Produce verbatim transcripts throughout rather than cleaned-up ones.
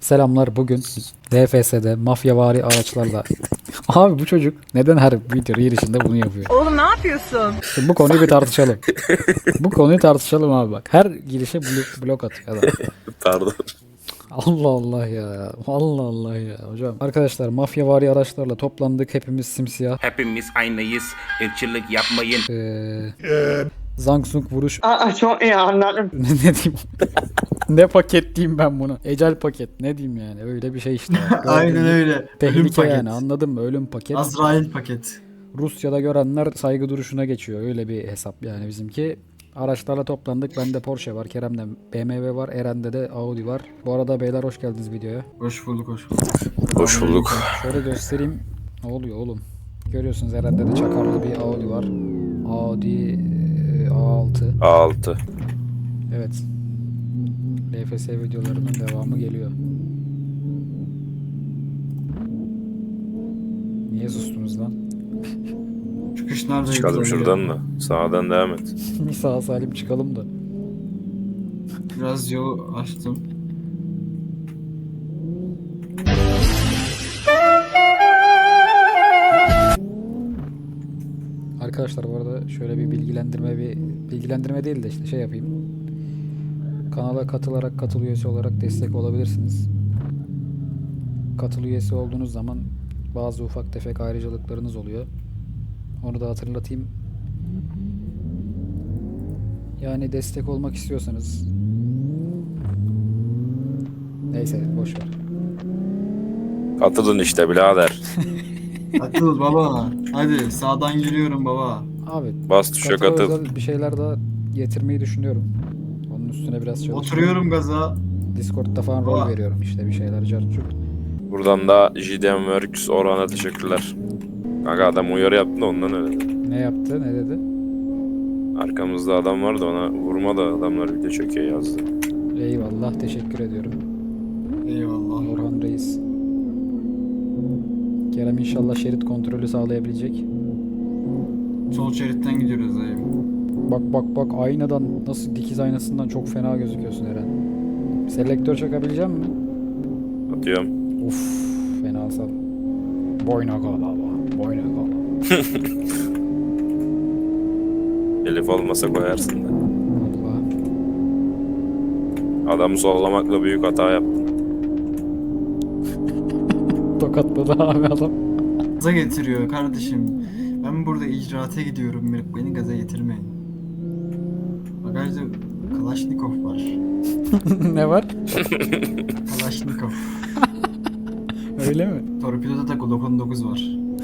Selamlar, bugün D F S'de mafyavari araçlarla. Abi bu çocuk neden her video girişinde bunu yapıyor? Oğlum ne yapıyorsun? Şimdi bu konuyu bir tartışalım. Bu konuyu tartışalım abi bak. Her girişe blok, blok atıyor adam. Pardon. Allah Allah ya. Allah Allah ya hocam. Arkadaşlar mafyavari araçlarla toplandık. Hepimiz simsiyah. Hepimiz aynıyız. Irkçılık yapmayın. Ee, Zang Sung vuruş. Aa, çok iyi anladım. ne, ne diyeyim? Ne paket diyeyim ben bunu? Ecel paket. Ne diyeyim yani? Öyle bir şey işte. Aynen öyle. Ölüm Tehlike paket. yani, anladın mı? Ölüm paket. Azrail paket. Rusya'da görenler saygı duruşuna geçiyor. Öyle bir hesap yani bizimki. Araçlarla toplandık. Bende Porsche var. Kerem'de B M W var. Eren'de de Audi var. Bu arada beyler hoş geldiniz videoya. Hoş bulduk, hoş bulduk. Hoş bulduk. Şöyle göstereyim. Ne oluyor oğlum? Görüyorsunuz Eren'de de çakarlı bir Audi var. Audi e, A altı. A altı. Evet. L F S videolarının devamı geliyor. Niye sustunuz lan? Çıkış nerede? Çıkalım güzel şuradan ya. da. Sağdan devam et. Sağ salim çıkalım da. Biraz yol açtım. Arkadaşlar bu arada şöyle bir bilgilendirme bir bilgilendirme değil de işte şey yapayım. Kanala katılarak katıl üyesi olarak destek olabilirsiniz. Katıl üyesi olduğunuz zaman bazı ufak tefek ayrıcalıklarınız oluyor. Onu da hatırlatayım. Yani destek olmak istiyorsanız neyse boş ver. Katılın işte birader. Atıl baba. Hadi sağdan giriyorum baba. Abi Bas tuşa katıla katıl. özel bir şeyler daha getirmeyi düşünüyorum. Onun üstüne biraz çalışıyorum. Oturuyorum gaza. Discord'da falan rol Aa. veriyorum işte bir şeyler cartçuk. Buradan da J D M Works Orhan'a teşekkürler. Kanka adam uyarı yaptı da ondan öyle. Ne yaptı? Ne dedi? Arkamızda adam vardı, ona vurma da adamlar video çekiyor yazdı. Eyvallah, teşekkür ediyorum. Eyvallah. Orhan Reis. Kerem inşallah şerit kontrolü sağlayabilecek. Sol şeritten gidiyoruz dayı. Bak bak bak, aynadan nasıl, dikiz aynasından çok fena gözüküyorsun Eren. Selektör çakabilecek misin? Atıyorum. Uf, fena sal. Boyna gala, boyna gala. Elif olmasa koyarsın da. Allah. Adamı sollamakla büyük hata yaptın. Tokatladı abi adam. Gaza getiriyor kardeşim. Ben burada icraate gidiyorum. Beni gaza getirmeyin. Bagajda Kalaşnikov var. Ne var? Kalaşnikov. Öyle mi? Torpidoda da Glock on dokuz var.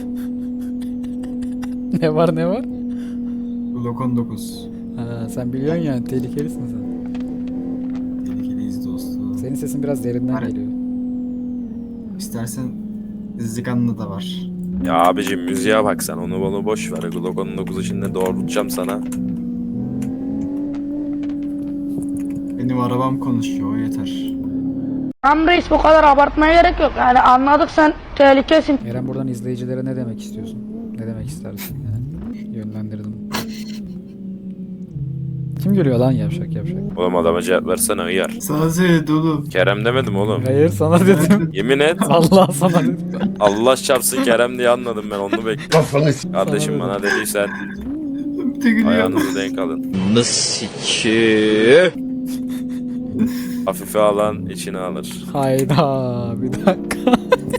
Ne var ne var? Glock on dokuz. Ha, sen biliyorsun yani, tehlikelisin sen. Tehlikeliyiz dostum. Senin sesin biraz derinden Var. geliyor. İstersen Zigan'da da var. Ya abicim müziğe bak sen, onu bunu boş ver. Glock on dokuzu şimdi doğrultacağım sana. Benim arabam konuşuyor, o yeter. Tamam reis, bu kadar abartmaya gerek yok. Yani anladık, sen tehlikesin. Eren, buradan izleyicilere ne demek istiyorsun? Ne demek istersin yani? Yönlendirdim. Kim görüyor lan yavşak yavşak? Oğlum adama cevap versene hıyar. Sana söyledi oğlum. Kerem demedim oğlum. Hayır, sana dedim. Yemin et. Allah sana dedim. Allah çarpsın Kerem diye anladım ben, onu bekliyorum. Kardeşim Sana bana dediysen Bir de gülüyor. ayağınızı denk alın. Hafife alan içine alır. Hayda, bir dakika.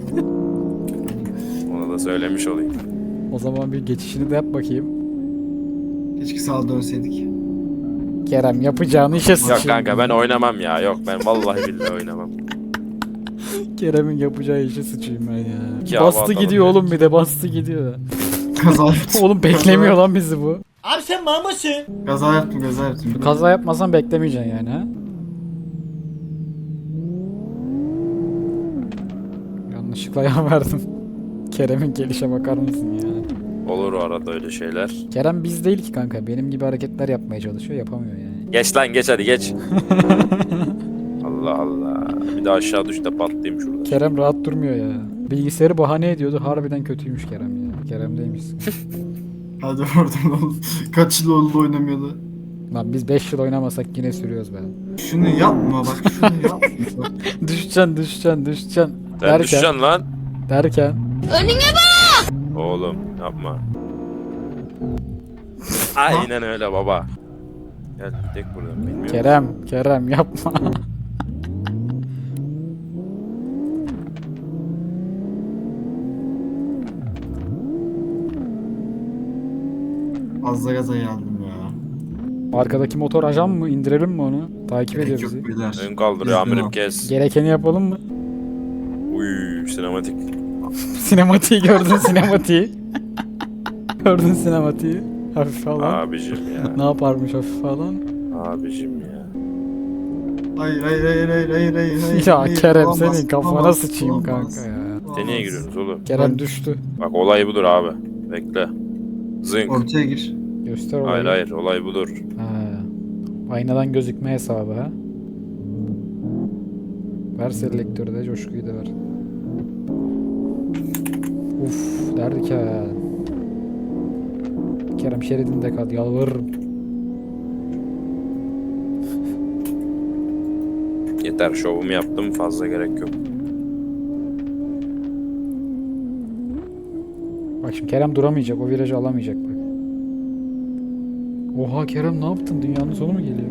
Ona da söylemiş olayım. O zaman bir geçişini de yap bakayım. Keşke sağa dönseydik. Kerem, yapacağını işe Yok sıçayım. kanka ben oynamam ya. Yok ben vallahi billahi oynamam. Kerem'in yapacağı işe sıçayım ben ya. İki hava Bastı atalım gidiyor ya. oğlum, bir de bastı gidiyor. Kaza yaptım. Oğlum beklemiyor lan bizi bu. Kaza yaptım, kaza yaptım. Kaza yapmasan beklemeyeceksin yani ha. Yanlışlıkla yan verdim. Kerem'in gelişe bakar mısın ya? Olur o arada öyle şeyler. Kerem biz değil ki kanka. Benim gibi hareketler yapmaya çalışıyor, yapamıyor yani. Geç lan geç hadi geç. Allah Allah. Bir daha aşağı düş de patlayayım şurada. Kerem rahat durmuyor ya. Bilgisayarı bahane ediyordu. Harbiden kötüymüş Kerem ya. Kerem'deymiş. Hadi oradan oğlum. Kaç yıl oldu oynamayalı. Lan biz beş yıl oynamasak yine sürüyoruz be. Şunu yapma bak şunu yapma. Bak. Düşeceksin düşeceksin düşeceksin. Sen düşeceksin lan. Derken. Oğlum yapma. Aynen öyle baba. Gel gidelim buradan bilmiyorum. Kerem Kerem yapma. Fazla gaza geldim ya. Arkadaki motor ajan mı? İndirelim mi onu? Takip ediyor Gerek bizi. yok beyler. Ön kaldırıyor Bizden amirim al. kes. Gerekeni yapalım mı? Uy sinematik. Sinematiği gördün sinematiği. Gördün sinematiği. Hafif falan. Abicim ya. Ne yaparmış hafif falan? Abicim ya. Hayır hayır hayır hayır hayır hayır. hayır, Ya hayır. Kerem Olamaz, senin kafana olamaz, sıçayım olamaz. kanka ya. Sen niye Olamaz. giriyorsunuz oğlum? Kerem Ben- düştü. Bak olay budur abi. Bekle. Zınk. Ortaya gir. Göster olayı. Hayır hayır olay budur. Ha. Aynadan gözükme hesabı ha. Ver selektörü de coşkuyu da ver. Uf derdik ha. Kerem şeridinde kal yalvarırım. Yeter şovumu yaptım fazla gerek yok. Bak şimdi Kerem duramayacak o virajı alamayacak bak. Oha Kerem ne yaptın dünyanın sonu mu geliyor?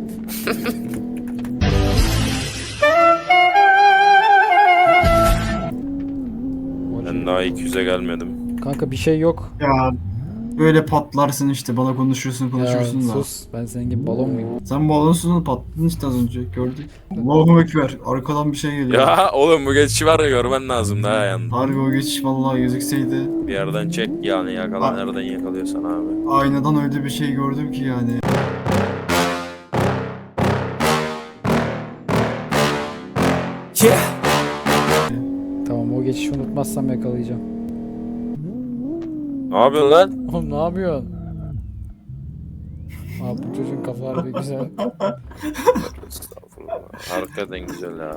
Ben daha iki yüze gelmedim. Kanka bir şey yok. Ya böyle patlarsın işte bana konuşursun Ya konuşursun da. sus ben senin gibi balon muyum? Sen balonsunu patladın işte az önce gördük. Allahu Ekber arkadan bir şey geliyor. Ya oğlum bu geçişi var ya görmen lazım daha yani. Harbi o geçiş vallahi gözükseydi. Bir yerden çek yani yakala nereden yakalıyorsan abi. Aynadan öyle bir şey gördüm ki yani. Tamam o geçişi unutmazsam yakalayacağım. Ne yapıyorsun lan? Oğlum ne yapıyorsun? Abi bu çocuğun kafa harbi güzel. Estağfurullah. Hakikaten güzel ya.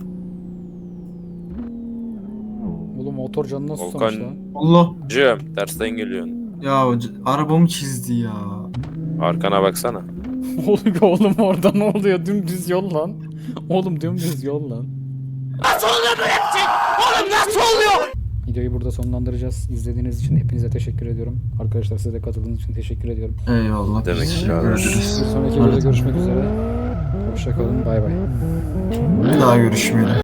Oğlum motor canına susamış Volkan- lan. Allah Cem tersten geliyorsun. ya o c- arabamı çizdi ya. Arkana baksana. Oğlum, oğlum orada ne oluyor? Dümdüz yol lan. Oğlum dümdüz yol lan. Nasıl oluyor böyle bir şey? Oğlum nasıl oluyor? Videoyu burada sonlandıracağız. İzlediğiniz için hepinize teşekkür ediyorum. Arkadaşlar size de katıldığınız için teşekkür ediyorum. Eyvallah. Demek ki abi. Görüşürüz. Bir sonraki videoda görüşmek üzere. Hoşçakalın. Bay bay. Bir daha görüşmeyelim.